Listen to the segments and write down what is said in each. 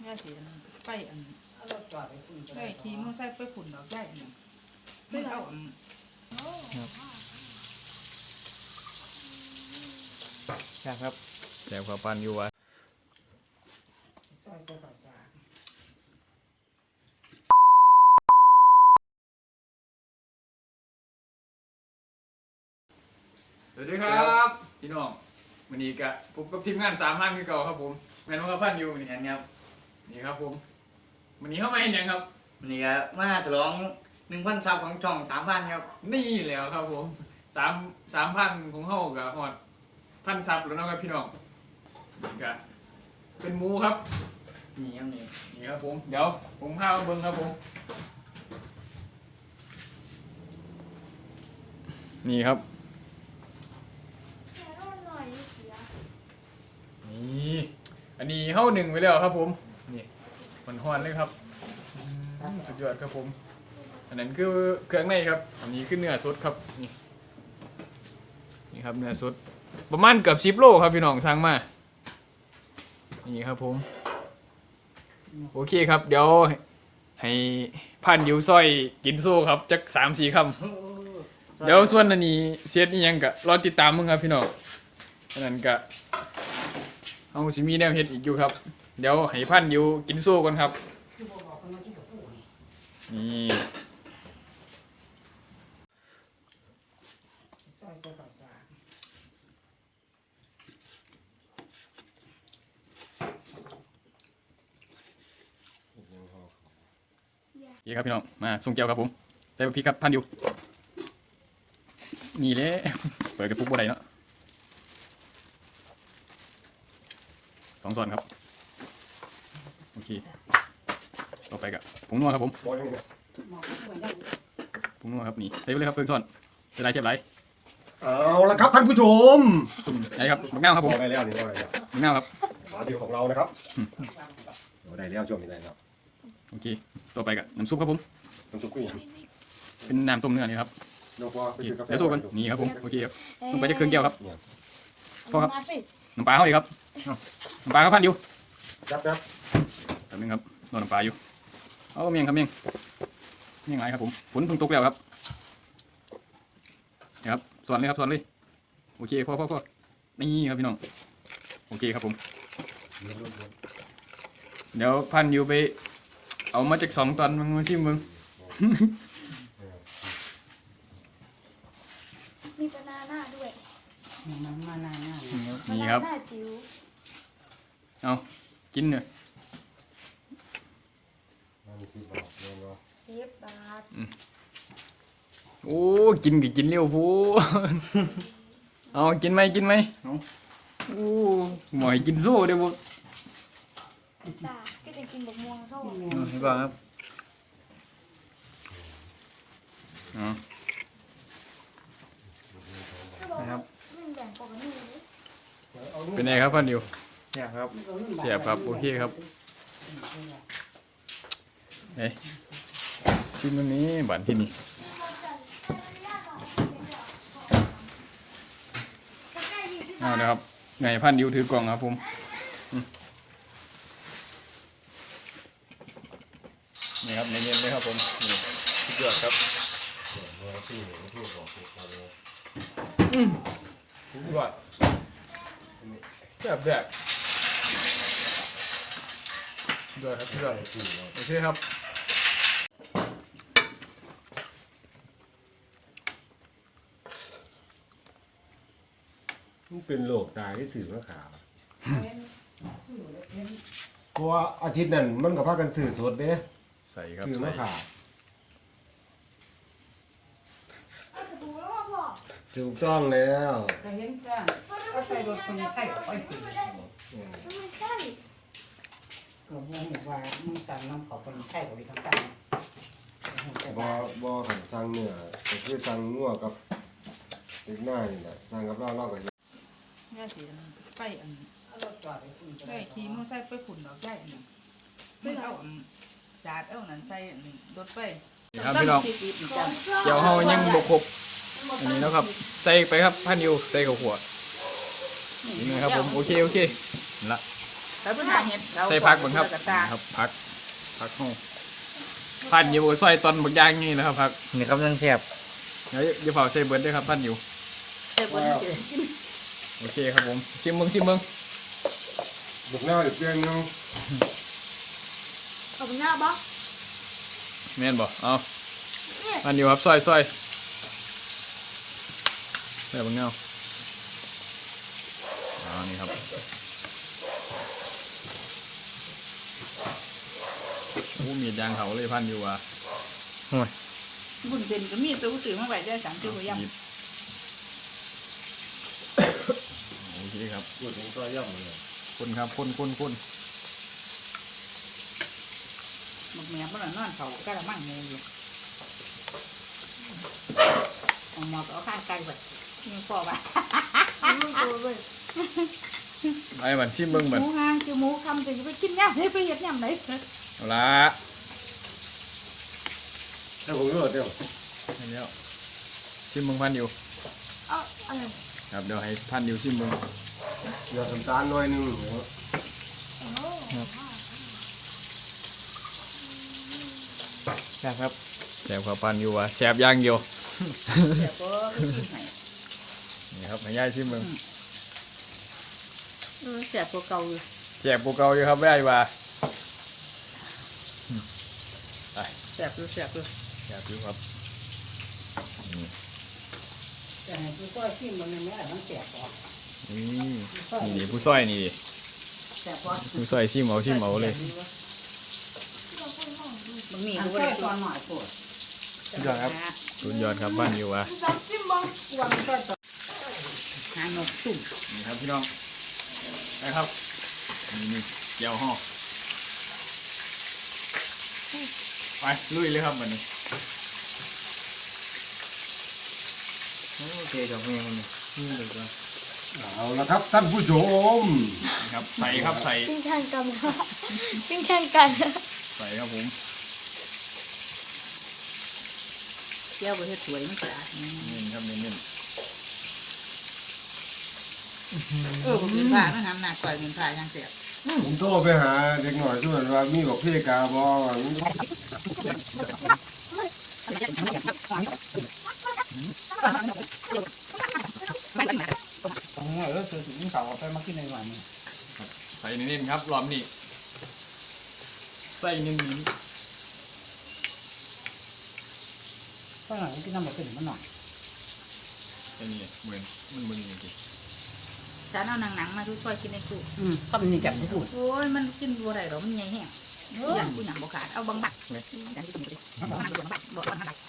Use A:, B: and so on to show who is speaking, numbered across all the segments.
A: ย่าสีไปได้ขี่มอไซค์ไปฝุ่นดอกได้ไม่เอา
B: ครับแซ่บข้าวปั้นอยู่วะสวัสดีครับพี่น้องวันนี้กะพบกับทีมงาน3 ท่านคือเก่าครับผมแม่น้องข้าวปั้นอยู่นี่ครับนี่ครับผมวันนี้เข้ามาเห็นยังครับ
C: นี่ก็มาฉลอง 1,000 ซับของช่อง 3,000 ครับ
B: นี่แล้วครับผม3,000ของเฮากับฮอด1,000 ซับแล้วนะครับพี่น้องนี่กะเป็นหมูครับ
C: นี่ครับ
B: นี่ครับผมเดี๋ยวผมพามาเบิ่งครับผมนี่ครับนี่อันนี้เข้า1ไปแล้วครับผมนี่มันฮ้อนเลยครับสุดยอดครับผมอันนั้นคือเครื่องในครับอันนี้คือเนื้อสดครับนี่ครับเนื้อสดประมาณเกือบ10 โลครับพี่น้องสั่งมานี่ครับผมโอเคครับเดี๋ยวให้พันอยู่ซอยกินโซ่ครับจัก3-4 คำเดี๋ยวส่วนอันนี้เซตนี่ยังกะรอติดตามมึงครับพี่น้องอันนั้นกะเอาสิมีแนวเฮ็ดอีกอยู่ครับเดี๋ยวให้พันอยู่กินโซ่ก่อนครับนี่นี่ครับพี่น้องมาส่งแก้วครับผมใส่พริกครับพันอยู่นี่เลยเปิดกระปุกบัวใดเนาะ2 ช้อนครับโอเคต่อไปกับผงนัวครับผมผงนัวครับนี่ใส่ไปเลยครับเพิ่งช้อนจะได้เชฟไร
D: เอาละครับท่านผู้ชม
B: ไหนครับมะนาวครับผม
D: ได้แล้วนี่ได้แล้ว
B: มะนาวครับ
D: มาดีของเรานะครับได้แล้วช่วงนี้ได้แล้ว
B: โอเคต่อไปกับน้ำซุปครับผม
D: น้ำซุปกุ้ง
B: เป็นน้ำต้มเนื้อนี่ครับ
D: เดี๋
B: ยวสู้กันนี่ครับผมโอเคครับลงไปจะเครื่องแก้วครับพอครับน้ำปลาเขาดีครับน้ำปลาเขาพันอยู่
D: จับ
B: แป๊บนึงครับนอนน้ำปลาอยู่เอาเมียงครับเมียงไรครับผมฝนเพิ่งตกแล้วครับนี่ครับสอนเลยครับสอนเลยโอเคพอนี่ครับพี่น้องโอเคครับผมเดี๋ยวพันอยู่ไปเอามาจาก2 ตอนมาซิมมึง
E: มีบานาน่าด้วย
A: มานาน่า
B: นี่ครับเอากินเลย
E: 10 บาท
B: โอ้กินเร็วพูเอากินไหมโอ้หมอยกินโซ่เดี๋ยวบุ
E: ซ่าก็จะกินบะม่วงโซ่
B: นี่ก่อนครับนะครับเป็นไงครับพันดิวเนี่ยครับเสียบครับโอเคครับเฮ้ยชิมตรงนี้บันที่นี่เอาเดี๋ยวครับไงพันดิวถือกล่องครับผมนี่ครับเย็นๆเลยครับผมนี่สุดยอดครับสุดยอดแบบสุดยอดครับสุดยอดโอเคครับ
D: มันเป็นโรคตายที่สื่อมะขามเพราะว่าอาทิตย์นั้นมันกับพากันสื่อสดเด้
B: ใส่ครับ
D: สื่อมะขามถูกต้องแล้ว
A: ก็เห็นจ้าก็ใส่รถคนไข้ไปตี
E: ไม่ใช่
A: ก็มองว่ามึงสั่งน้ำขอคนไข้กับไปทำกัน
D: บ่ขันสั่งเนื้อก็คือสั่งงัวกับเล็กน้อยนี่แหละสั่งกับเราก็
A: ย่าสีไปได้ขี่มอไซค์ไปฝุ่นดอกได้ไม่เอาจาดเอานั่นใส่รถไป
B: ครับพี่น้องเดี๋ยวเขายังบกครบอันนี้นะครับใส่ไปครับพันดิวใส่กับหัวนี่นะครับผมโอเคละ
A: แล้วเป็นหาเห็ด
B: ใส่ผักบ้างครับครับผักห้องพันอยู่ซอยตอนบักย่างนี่นะครับผัก
C: นี่ครับยังแซ่บ
B: เดี๋ยวเผาใส่เบิร์ดด้วยครับพันอยู่
A: เต็มบนเจอ
B: โอเคครับผมชิมเบิ้ง
D: บุกหน้าอีกเพียงนึง
E: ขอบคุณหน้าบ๊อก
B: แม่นบ่เอาพันอยู่ครับซอยใส่บังเงานี่ครับโอ้มีดยางเขาเลยพันอยู่ว่ะ
A: บุญเป็นก็มีตัวสื่อมาไว้ได้3ตัวยัง
B: โอเคครับ
D: พูดถึงตัวย่ำเลย
B: คนครับคน
A: หมกแม่บ้านนอนเขากระมังงูอยู่เอาหมอกเอาข้างไกลแบบมีพอปะ
E: ลูกตัวเลย
B: ไอ้บันชิมเบิ้งบัน
A: หมูห้างคือหมูคำจะไปกินย่ำให้ไปเห็ดย่ำไหน
B: เอาละ
D: ถ้าผมรู้เดี๋ยว
B: อันนี้ชิมเบิ้งพันอยู่
E: เอาอะไร
B: ครับเดี๋ยวให้พันอยู่ชิมเบิ้ง
D: อย่าน้ำตาลน้อยนึง
B: แซ่บครับแซ่บครับพันอยู่ว่ะแซ่บอย่างเดียว
A: เดี๋ยวก็กินให้
B: นี่ครับให้ย่ายชิมเบิ้ง
A: เสียตัวเก่าอยู่
B: แซ่บกว่าเก่าอยู่ครับย่ายว่า
A: เสียบอยู่
B: แซ่บอยู่ครับ
A: แต่ตัวก็ชิมมันไม่ได้มันเสียบก่อน
B: นี่ผู้ซอยนี่ดิ
A: เสียบก่อน
B: ผู้ซอยชิมเอาเลย
A: มันมีตัวเล็กตัวหน่อยปวด
B: สุดยอดครับสุดยอดครับบ้านอยู่ว่ะ
E: จับจิ้มบ้อง
A: วันก็ต่อหางนกตุ่ม
B: นี่ครับพี่น้องนะครับนี่เจียวห่อไปลุยเลยครับวันนี้
C: โอเคกับแม่มันนี่เลยว่า
D: เอาละครับท่านผู้ชม
B: นี่ครับใส่ครับใส่
E: กินแข่งกันกินแข่งกัน
B: ใส่ครับผม
A: เจียวไปเฮ็ดสวยมันสะอาด
B: นี่ครับเน้น
A: ผมกินผ้าไม่ทำหนักกว่ากินผ้ายังเสียบ
D: ผมโทรไปหาเด็กหน่อยช่วยว่ามีบอกพี่กาบอ
A: ซื้อถึงเขาไปมากินในวันนี้
B: ๆใส่เน้นๆครับรอบนี้ใส่เน้น
A: เพราะหน่อยกินน้ำมันขึ้นมันหน่อย
B: ๆอันนี้เหมือนมันมึนจริง
A: จานเอาหนังมาทุกคนกินในตู้ก็มันนี่จับทุกโอ้ยมันกินบัวไรหรอมันใหญ่แห้งอย่างกูอย่างบกขาดเอาบางบักจานที่กินไปดิบางบักบอกบางบัก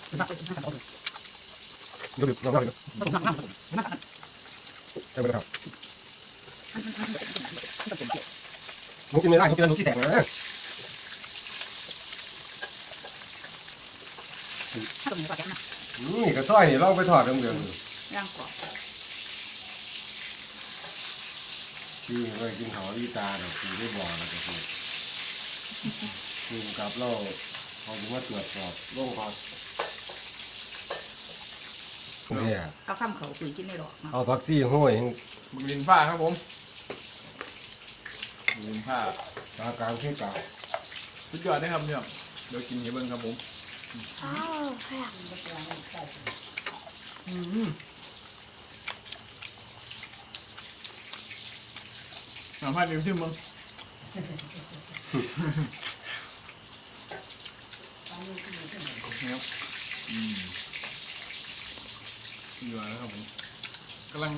D: ดูดิลองเล่าดิได้ไหมครับหนูกินไม่ได้หนูกินแล้วหนูขี้แตกนะ นี่กระซ้อยนี่ลองไปทอดเดือด
A: ย่างกรอบ
D: ที่ไปกินเขาอีตาเนี่ยคือได้บอกนะก็คือคือกับเราเขาถึงว่าตรวจสอบโรคพักเนี่ย
A: เอาข้ามเขาคุยกินในหรอก
D: เอาพักซี่ห้อย
B: ๆมึกลินผ้าครับผมมึกลินผ้า
D: ตากลางที่กลาง
B: สุดยอดเลยครับเนี่ยเดี๋ยวกินให้เบิ้งครับผม
E: อ้าวแข่ง
B: น้ำพันอยู่ชิมเบิ้งครับอยู่แล้วครับผมกำ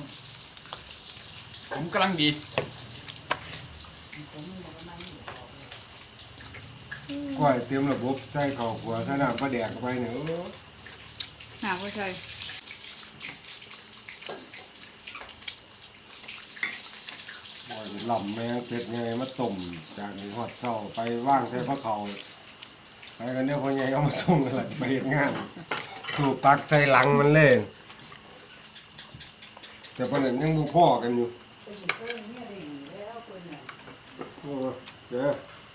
B: ลังดี
D: ก้อยเตรียมระบบใส่ข้าวขัวใส่น้ำปลาแดกเข้าไปเนี่ย
A: หาว่าใช่
D: หล่ำแมงเป็ดไงมาต้มจากนี้หอดเจ้าไปว่างใส่พระเขาไปกันเนี่ยพอไงเอามาส่งกันละไปเฮ็ดงานถูกตักใส่หลังมันเลยแต่ประเด็นยังบุพ่อกันอยู่โอ้เด้อ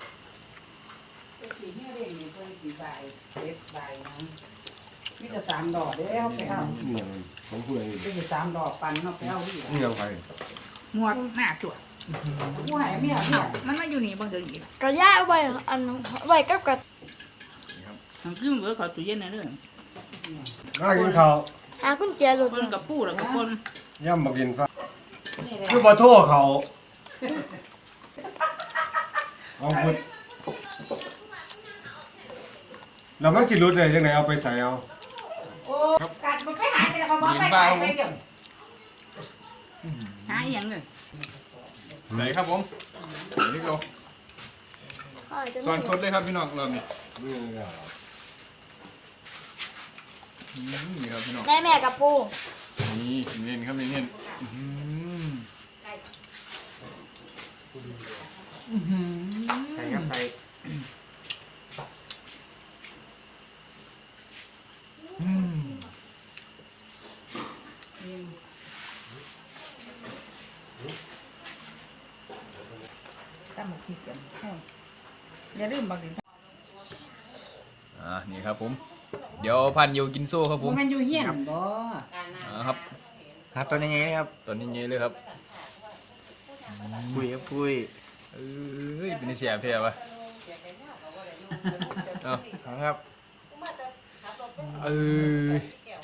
A: นี่จะ3 ดอกเด้อไปเอา
D: เนี่ยผมพูดอะไร
A: นี่จะ3 ดอกปันเนาะไปเอาที่
D: นี่ยังไง
A: หมวดหน้าจวดกูหายเมียมันมาอยู่นี่บ่เดินอีก
E: ก็ย่าเอาไว้อันไว้กับกับ
A: มันขึ้นเบอร์เขาตู้เย็นนะเด้อ
D: น่ากินข้าว
E: หากุญแจรถ
A: คนกับปูแล้วกับคน
D: ย่ำมากินฟ้าคือบ่โทษเขาเอาพุดแล้วมันสิรุดได้จังไดเอาไปใส่เอา
A: โอ้กัดมันไปหายไปแล้วเขาบอกไปหายไปเดี๋ยวหายยังเลย
B: ใส่ครับผมนี่ก็สอนสดเลยครับพี่น้องรอบนี้นี่ครับพี่น้อง
E: แม่กับปู
B: นี่เน้นครับเน้น
C: ใส่ครับใส่
A: ตั้งหมกขี้เกียจอย่าลืมบางที
B: นี่ครับผมเดี๋ยวพันอยู่กินโซ่ครับผม
A: มันอยู่เฮี้ยนบ่
B: ครับ
C: ครับตัวนี้ไงครับ
B: ตอนนี้เยอะเลยครับ
C: ปุยครับปุย
B: เอ้ยเป็นเสียเพียวะเอา
C: ครับ
B: เอ้ย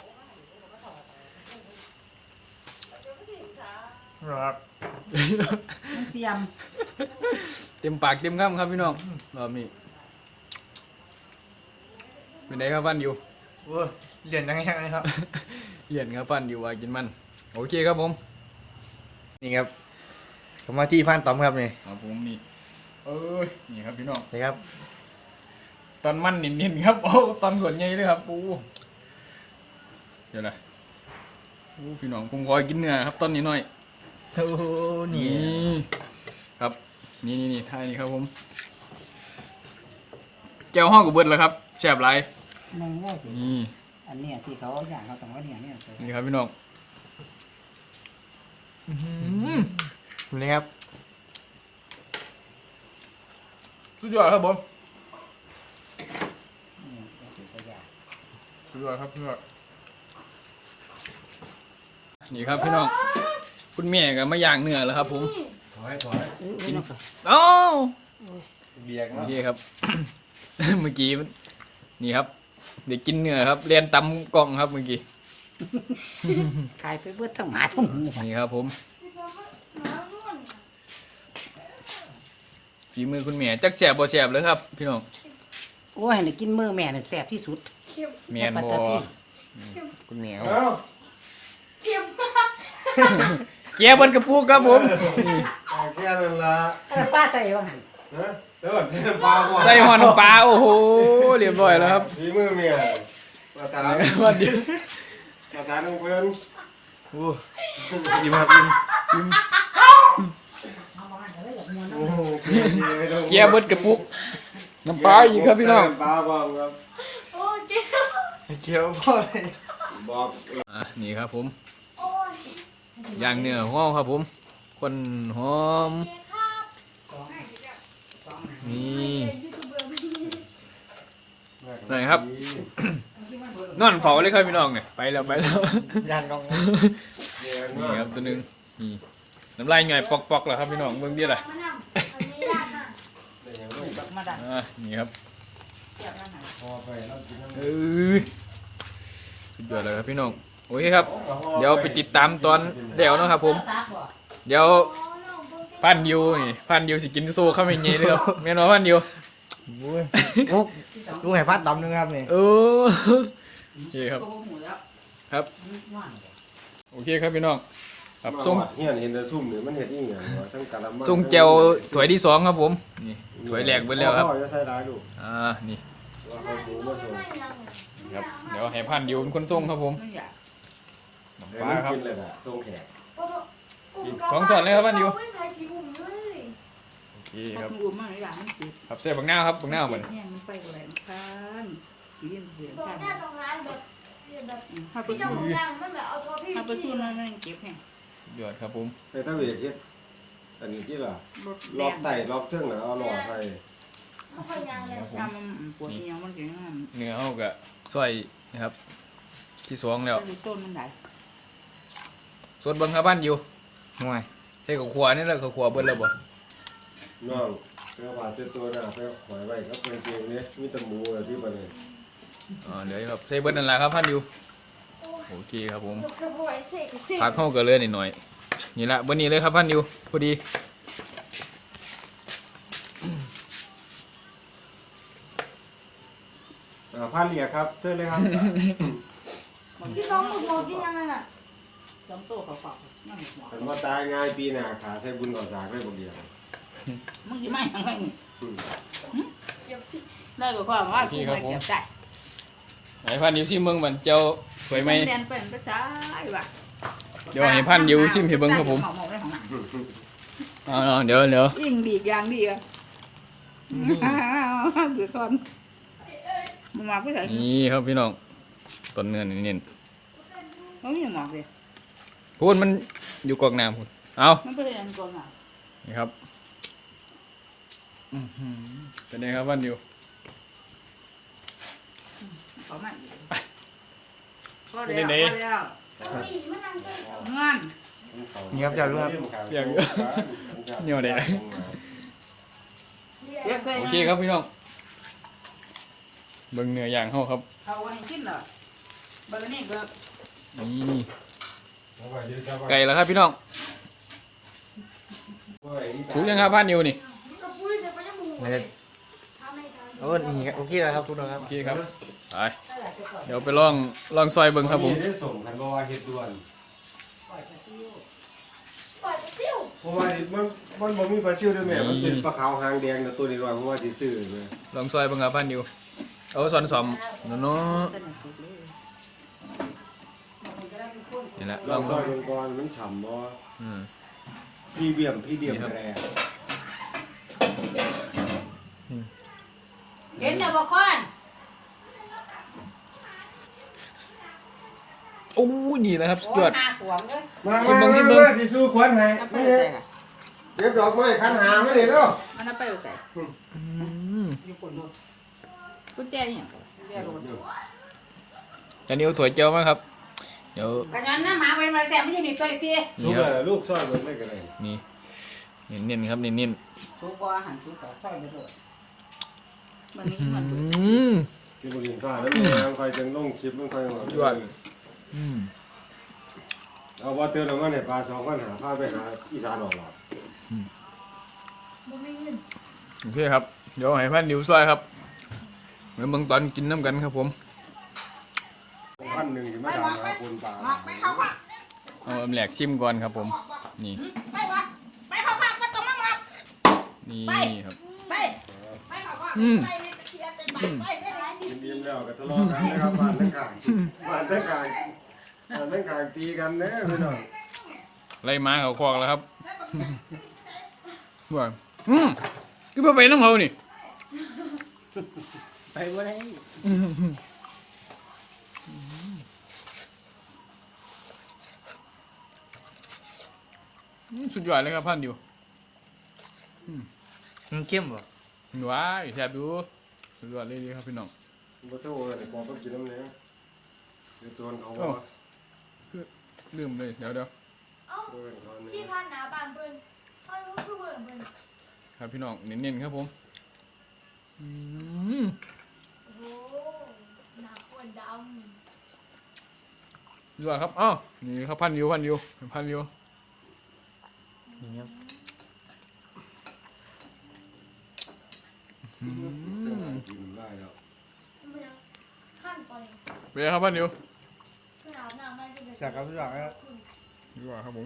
C: ครับ
A: มันเสียม
B: เต็มปากเต็มคำครับพี่น้องรอบนี้เป็นไงครับพันอยู่
C: โอ้เรียนยังไงนะครับ
B: เย็นครับพันอยู่ว่ากินมันโอเคครับผม
C: นี่ครับผมมาที่ฟ้านตอมครับนี่
B: ครับผมนี่เอ้ยนี่ครับพี่น้อง
C: นี่ครับ
B: ตอนมันนิ่มๆครับโอ้ตอนขวดใหญ่เลยครับปูเดี๋ยวนะโอ้พี่น้องผมขอกินเนื้อครับตอนนี้หน่อย
C: โอ้นี่
B: นี่ครับนี่ท่านี้ครับผมแก้วห้องกับเบิดแล้วครับแฉบไร
A: นั่นก็สิ
B: นี่
A: อันเนี้ยที่เขาอย่างเขาต้องว่าเนี่ย
B: นี่ครับพี่น้อง
C: นี่ครับ
B: สุดยอดครับผมสุดยอดครับสุดยอดนี่ครับพี่น้องคุณแม่ก็มาย่างเนื้อแล้วครับผม
D: ถอย
B: กินเอ้า
D: เบียก
B: โอ
D: เนาะ
B: เคครับ เมื่อกี้นี่ครับเดี๋ยวกินเนื้อครับเรียนตำกล่องครับเมื่อกี้
A: ขายไปเบิดทั้งหมาทั้งหมู
B: นี่ครับผมฝีมือคุณแม่จักแสบบ่แสบเลยครับ พี่น้อง
A: โอ้ยให้กินมือแม่เนี่ยแซ่บที่สุด
B: แม่นบ่คุณแม่
D: เอ้า
B: เกียบบนกระปุกครับผม
D: แค่นั้นละ
A: ป้าใส่บ้าง
D: นะเดี๋ยวก่อนใส่น้ำปลาก่อน
B: ใส่หอน้ำปลาโอ้โหเรียบร้อยแล้วครับ
D: ฝีมือเมียมาตาม
B: วันเดียว
D: มาตามน้องเพื่อน
B: โอ้ยิ้มครับยิ้ม
D: โอ้โห
B: เกียบบนกระปุกน้ำปลาอีกครับพี่น้อง
D: น้ำปลาบ้างครับ
E: โอ้เจ๊
C: เกี่ยวพ่อเลย
D: บอก
B: นี่ครับผม
E: โอ้ย
B: ย่างเนื้อหอมครับผมคนหอมนี่ไหนครับ นอนเฝ้าเลยครับพี่น้องเนี่ยไปแล้วไปแล้ว
C: ยันกอง
B: นี่ครับตัวหนึงนี่น้ำลายไงปอกๆแล้วครับพี่น้องเบิ่งดิล่ะ
E: มานำอันนี้ยากนะ
A: มาดัน
B: นี่ครับ
D: พอไปแล้วกินน้ำ
B: เอ้ยสุดยอดเลยครับพี่น้องโอเคครับ เดี๋ยวไปติดตามตอนเดี๋ยวนะครับผม เดี๋ยวพันยูนี่พันยูสิกินโซ่เข้าไปเงี้ยเลยครับแม่นว่าพันยู
C: ลูกแห่ฟ้านตอมนึงครับนี่
B: เออโอเคครับ ครับ โอเคครับพี่น้องครับส่ง
D: เฮียนเห็นแต่ซุ่มเนี่ยมันเห็ดอีหยังวะทั้งกะละมัง
B: ส่งแจวถ้วยที่สองครับผมนี่ถ้วยแรกไปแล้วครับ
D: พ่อจะใส่ร้ายดู
B: นี่
D: ว่าเขาดูมาส่ง
B: ครับเดี๋ยวให้พันยูเป็นคนส่งครับผม
A: ไม่อยาก
B: ปลาครับ
D: กินเลยนะส่งแขก
B: สองช้อนเลยครับพันยู
E: ไม่ใช่ที่หุ่มเลย
B: โอเค
A: ถ้า
B: ครับ
A: คุณอุ้มมาอยากมันติด
B: ครับเสียบักหน้าครับบักหน้าเหมือน
A: เนี่ยมันไปอะไรมันยืนเสียง
E: ตรง
A: กัน
E: หน้าตรงร้านแบบแบบ
A: ถ้าไป
E: เจ้า
A: สู้
E: ของร้านมันแบบเอาตัวพี่
A: ถ้าไปสู้
E: จี้
A: นั่นนั่นเก็บแห้ง
B: ยอดครับผม
D: แต่ถ้าเวทเฮ็ดอันนี้ที่ล่ะ
A: รถ
D: ล็อกไต่ล็อกเครื่องน่ะเอาหลอดใส่
E: เขาพยายามเลย
A: ทำมันปวดเอวมันเก่งมาก
B: เนื้อเอากะซอยนะครับที่สองแล้ว
A: ต้นมันได้
B: สดเบังครับพันยู
C: ห่วย
B: แส่กับขวานี่แหละกับขวาเบิ้ลแล้วบ่
D: น้องเสื้อผ้าเสื้อตัวหน้าไปหอยไว้ก็เป็นเกงนี้มีแตะมูอะไรที่บ้านเลย
B: เดี๋ยวครับใส่เบิ้ลนั่นแหละครับพันดิวโอเคครับผม
E: ยกกระบวยเสกเสก
B: พักเข้ากันเลยหน่อยๆนี่ละเบิ้ลนี้เลยครับพันดิวพอดี
D: ผ้าเหลียครับเชิญเลยครับ
E: พี่น้องหมึกโมกินยังไงน่ะ
A: สองโตเขาฝากนั่งหัว
D: ผมว่าตายง่ายปีหน้าขาใช้บุญก่อสากได้บ่เดียว
A: มึงสิไม่ยังไงนี่
E: เดี๋ยวสิ
A: ได้ก็ความว่ากูไม่เสียใจ
B: ไอ้พันดิวซิมเบิ้งบันเจ้าสวยไหม
A: แดนเป็นภาษาว่ะ
B: เดี๋ยวให้พันดิวซิมให้เบิ้งครับผม
A: หมอกได้ของหนัง
B: เดี๋ยว
A: ยิ่งดีอย่างดีอ่ะเบื่อก่อนมึงมาผู้ชาย
B: นี่ครับพี่น้องต้นเนื้อเน้น
A: เขาไม่ยังหมอกเลย
B: ๆพูดมันอยู่กอกน้ำพูดเอา
A: มันเป็นยังก่อนอ่ะ
B: นี่ครับเป็นไงครับพันดิว
A: เขาไม่ก็เดี๋ยวก็เดี๋ยว
E: อุ้ยมันนั่งเต้น
A: งาน
B: เงียบจังเลยอย่างเงียบเลย
A: เรียกใคร
B: โอเคครับพี่น้องเบิ้งเนื้อย่างเขาครับ
A: เขาให้กินเหรอเบอร์นี่ก็
B: นี่ไก่แล้วครับพี่น้องถูกยังครับพันดิวนี่
E: กระปุยเดี๋ยวไปยังหมูทำไม่ทัน
C: โอ้นี่โอเคแล้วครับทุกคนครับ
B: โอเคครับไปเดี๋ยวไปลองซอยเบิ้งครับผม
D: ได้ส่งคันบ่ว่าเฮ็ดด่วน
E: ปล่อยไปซิ่ว
D: เพราะว่ามันบ่มีปลาซิวด้วยแม่มันเป็นปลาขาวหางแดงแต่ตัวนี้ว่าเพราะว่าสิซื้อแม่
B: ลองซอยเบิ้งครับพันดิวเอาซอนสอมเนาะนี่แหละล
D: ล
B: อ
D: อง งซอยลงก่อนมันฉ่ำบ่
B: อืม
D: พี่เบี่ยมแร่
A: เห็นแต่บอกคอน
B: โอ้ยนี่แหละครับสุดยอด
A: หาขวงเลย
D: มา
B: ชิมเบิ่ง
D: สิสู้ขวัญให้
A: เอาไป
D: นี่
A: ใส่ละ
D: เก็บดอกไม้คันหามานี่เด้อ
A: มันเอาไปใส่
B: อืม
A: อยู่คนดูกุญแจเนี่ยกุญแจรถ
B: อันนี้เอาถั่วเจียวมาครับเดี๋ยว
A: กันนั้นนะหมาเป็นมาแต่มันอยู่นี่ตัวเล็กที
D: สู้
B: นี่ค
D: เล
B: รับ
D: ยลูกซอยเบิ่งได้ก็ได้
B: นี่เน้นๆครับเน้น
A: สูบอาหารสูบต่อค่อยไปเลยมันนี้
B: ๆ
A: มันดู
B: อืม
D: ที่บ่กินข้าวแล้วมันค่อยจังลงคลิปมันค่อย
B: ยอด อืม
D: เอาบ่เตือนเอามาในปลา2คันหาพาไปหาอีสานออกหลอด
E: บ่มีเงิน
B: โอเคครับเดี๋ยวให้พันดิวซอยครับเดี๋ยวเบิ่งตอนกินน้ำกันครับผม
D: พันหนึ่งที่มาดามหาคนปลา
A: ไปเข้าผัก
B: เอาแหลกซิมก่อนครับผมนี่
A: ไปวะไปเข้าผักมาตรงนั้นมา
B: นี่ครับ
A: ไปไปเข้าผัก
B: อืม
A: ไปเลยตะเคียนเป็นไปไปไปไป
D: กินอิ่มแล้วก็ทะเลาะกันนะครับบ้านทั้งกลางบ้านทั้งกลางตีกันเด้อพี่น้อง
B: ไล่ม้าเขาคอกแล้วครับว่าคือบ่ไปน้ำเขานี่
C: ไปบ่ได้
B: สุดยอดเลยครับพันดิว
C: มันเข้มบ่
B: ว้ายแซ่บดูสุดยอดเลยดีครับพี่น้อง
D: บ่โทษเลยบอกต้องกินน้ำเนี้ยเดี๋ยวตัวเขา
B: โอ้
D: ว่า
B: ลืมเลยเดี๋ยว
E: เอ้า
D: เออเขาเนี่ย
E: พี่พันหนาบานเพิ่นเขาคือเบิ่งเพิ่น
B: ครับพี่น้องเน้นๆครับผมอืม
E: โอ้โหหนาขวดด
B: สุดยอดครับอ้าวนี่ครับพันดิวนี่ครับ
D: กินได้แล้ว
E: ำมันยังขั้นไป
B: เป็นไงครับพันดิว
E: ขนาดหน้าไม่จะ
C: จากครับทุกอย่างครับ
B: ดีกว่าครับผม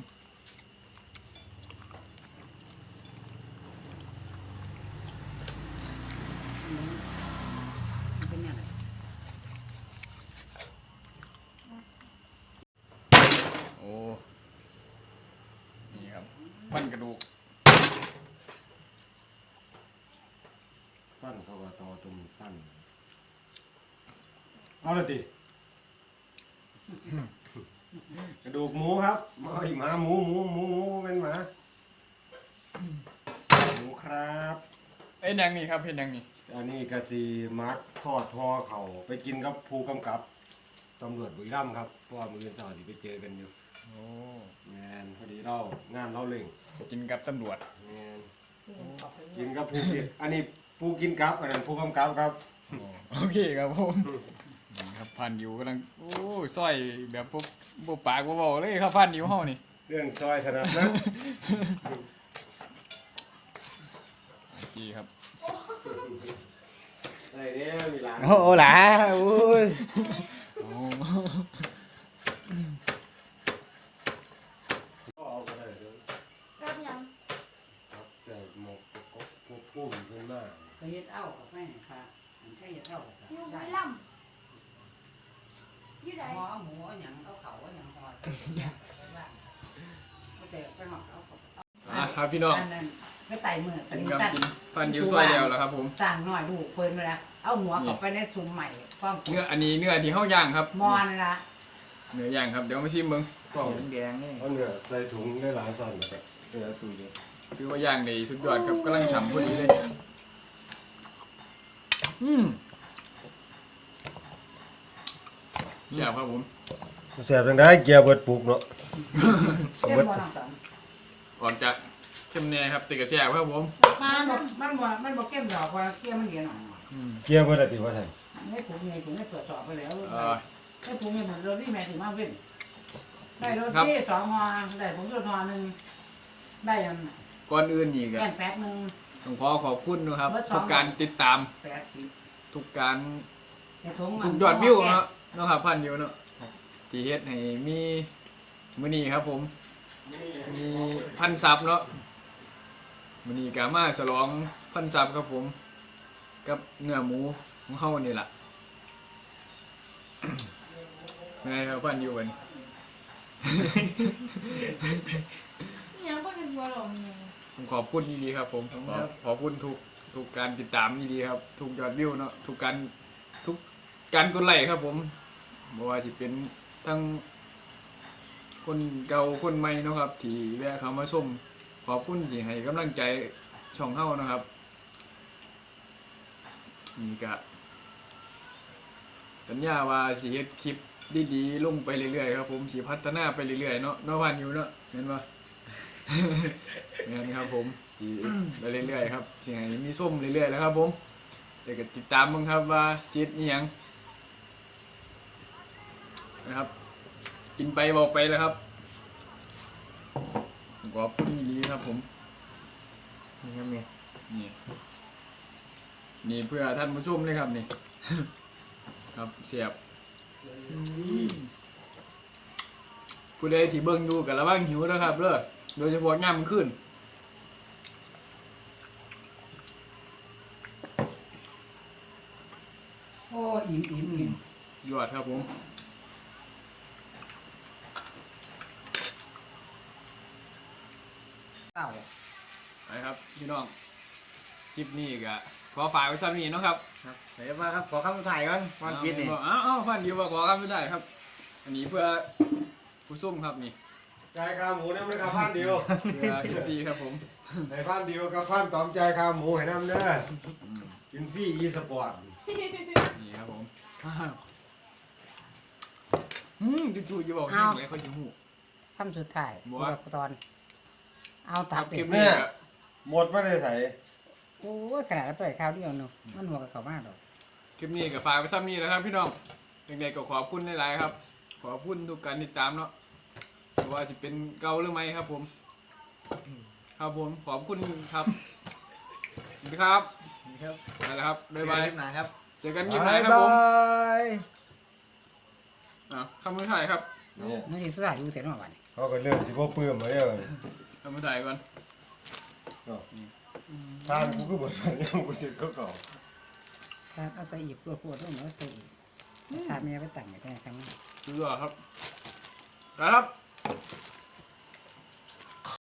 B: โอ้นี่ครับพันกระดูก
D: ปั้นเขาว่าต่อตรงปั้นเอาละติกระดูกหมูครับมาอีกหมาหมูเป็นหมาหมูครับ
B: เอ้ยยังนี่ครับเห็นยังนี่
D: อันนี้กะสีมักทอดห่อเขาไปกินกับผู้กำกับตำรวจบุรีรัมย์ครับเพราะว่ามือเช้าที่ไปเจอกันอยู่
B: โอ้
D: แมนพอดีเรางานเราเล่ง
B: กินกับตำรวจ
D: แมนกินกับผู้กินอันนี้ผู้กินกับอันนั้นผู้กำกับครับ
B: โอเคครับผมนี่ครับพันอยู่กำลังโอ้ยซอยแบบปุ๊บปากบ่เบาเลยครับพันอยู่เฮานี่
D: เรื่องซอยถนัดนะ
B: โอเคครับ
D: อะไรเนี่ยมีร้าน
C: โอ้หล่ะโอ้ย
B: โอ้
D: ก็เอาไปได้เลย
E: รับยัง
D: ครับแต่หมกก็พุ่มขึ้นมา
F: ก็เฮ็ดเอากับแม่ค่ะมันแค่เฮ็ดเอากับ
E: อยู่บุ
F: ได้
E: รีรัมย์อยู่ไหน
F: หมอเอาหมูเอาหยังเอาเขาเอาหยังพอก็แต่ไปหอกเอาเขา
B: ครับพี่น้อง
F: อันนั้นไปไต่มือ
B: ผ
F: ตอน
B: ม
F: นี้
B: กำลั
F: สั่
B: ง
F: น
B: กินพันอยู่ซอยเดียวแล้วครับผม
F: สั่งหน่อยลูกเพิ่นมาแล้วเอาหัวเข้าไปในซุ่มใหม่ความ
B: เนื้ออันนี้เนื้อที่เฮาย่างครับ
F: มอนละ
B: เนื้อย่างครับเดี๋ยวมาชิมเบิ่ง
D: ก็
C: แดงนี่
D: เอาเนื้อใส่ถุงได้หลายสั่นแล้วก็เนื้อตุยเลย
B: คือว่าย่างได้สุดยอดครับกำลังฉ่ำพอดีเลยแซ่บครับผม
D: แสบจังได้เกียร์เบิดปลูกเนาะ
F: เต็มบ่น้องตอน
B: ก่อนจะเข้มแน่ครับติดกับแซ่บครับผม
F: มันบ่เข้มดอกว่าเกี้ยมันเดียวหน่อย
D: เกียร์เบิดอะไรติว่าไทย
F: ให้ผมไงผมให้ตรวจสอบไปแล้ว
B: เอ่อ
F: ให้ผมไงผมรถที่แม่ถึงมาเว้นได้รถที่2ฮอได้ผมรถฮอนึงได้ยัง
B: ก่อนอื่นนี่ก็
F: แป้นแป๊กนึง
B: ต้องขอขอบคุณนะครับ
F: เบอร์สอง
B: ทุกการติดตาม
F: 80
B: ทุกการ
F: ในถุง
B: ทุกยอดวิวเนาะเนาะครับพันอยู่เนาะที่เฮ็ดให้มีมื้อนี้ครับผม มีพันซับเนาะมื้อนี้ก็มาฉลองพันซับครับผม กับเนื้อหมูของเฮานี่ล่ะ ไงครับพันอยู่กัน
E: ยังก็เป็นบัวหลงอยู่
B: ผมขอบคุณดีๆครับผมขอบคุณทุกการติดตามดีๆครับทุกยอดวิวเนาะทุกการกดไลค์ครับผมบ่ว่าสิเป็นทั้งคนเก่าคนใหม่เนาะครับที่แวะเข้ามาชมขอบคุณที่ให้กำลังใจช่องเฮานะครับนี่ก็สัญญาว่าสิเฮ็ดคลิปดีๆลงไปเรื่อยๆครับผมสิพัฒนาไปเรื่อยๆเนาะเนาะพันอยู่เนาะเห็นบ่ นี่ครับผมสิไปเรื่อยๆครับสิให้มีส้มเรื่อยๆแล้วครับผมเดี๋ยวก็ติดตามมึงครับว่าชีวิตนี่หยังนะครับกินไปบอกไปแล้วครับขอบคุณดีครับผม
C: นี่ครับนี่
B: นี่เพื่อท่านผู้ชมเลยครับนี่ ครับเสียบผู้ใดที่เบิ่งดูกับระวังหิวนะครับเด้อโดยเฉพาะย่ำขึ้น
F: โอ้อิ่ม
B: ยอดครับผม
F: เต้า
B: ไปครับพี่น้องคลิปนี้ก็ขอฝากไว้ซ้ำนี้เนาะครับ
C: ครับเดี๋ยวมาครับขอคำถ่ายก่อนก่อนกินนี่
B: อ้าวพันเดียวว่าขอคำไม่ได้ครับ อันนี้เพื่อผู้ส้มครับนี่
D: ใจายขาหมูน้ำเลยครับพันเดียว
B: เพื่อเอฟซีครับผม
D: ให้พันเดียวกับพันตอมใจายขาหมูให้น้ำเด้อกินฟรีอีสปอร์ต
B: นี่ครับผมจู่ๆจะบอกยังไงเขาจะหู
F: คำสุดท้าย
B: บัว
F: ตอน เอาตับ
B: คลิ
F: เด็
B: ป
F: ก
B: นี้ก็
D: หมดไม่ได้ใส่
F: โอ้ยขนาดเราเปิดข้าวเดียวเนาะมันหัวกับเขามากหรอก
B: คลิปนี้ก็ฝากไว้ซ้ำนี้แล้วครับพี่น้องยังไงก็ขอบคุณหลายๆครับ ขอบคุณทุกการติดตามเนาะไม่ว่าจะเป็นเก่าหรือไม่ครับผม ครับผมขอบคุณครับสวัสดีครับ
C: นี่ครับ
B: ไปแล้วครับบ๊ายบาย
C: หนาครับ
B: เจอกันยิ้มไหนครับผม
C: ย
B: คำมือถ่ายครับ
D: เนี่ย
F: นี่สุดท้ายดูเสร็จแล้ววันนี้
D: เขาก็เริ่มสิบ่เปื้มมาเนี่ย
B: คำมือถ่ายก่อน
D: ทานกูก็บ่ทันยังกูสิก็เก่า
F: ถ้าเอาใส่อีกปวดๆต้องเอาใส่อีกถ้าเมียไปแต่งไปแต่งครั้งนี้
B: ดูด้วยครับไปครับ